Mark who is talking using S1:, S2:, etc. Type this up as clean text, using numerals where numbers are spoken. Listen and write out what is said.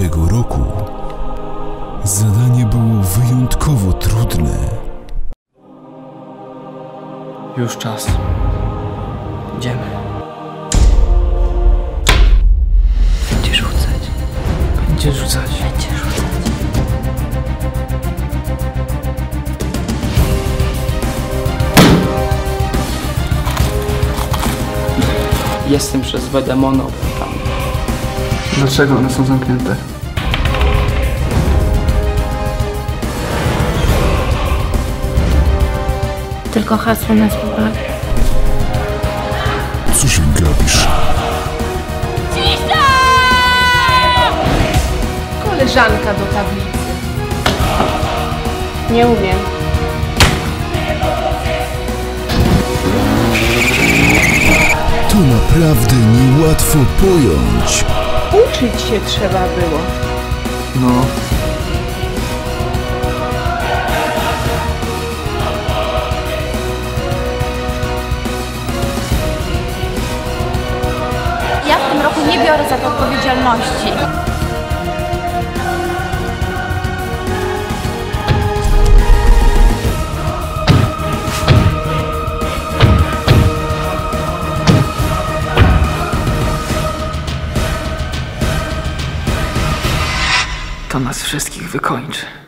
S1: Tego roku zadanie było wyjątkowo trudne.
S2: Już czas. Idziemy. Będzie rzucać. Będzie rzucać. Będzie rzucać. Jestem przez złe demony opętany. Dlaczego one są zamknięte?
S3: Tylko hasło nas pobawi.
S1: Co się gapisz?
S3: Cisza! Koleżanka do tablicy. Nie umiem.
S1: To naprawdę niełatwo pojąć.
S3: Uczyć się trzeba było.
S2: No.
S4: Ja w tym roku nie biorę za to odpowiedzialności.
S2: To nas wszystkich wykończy.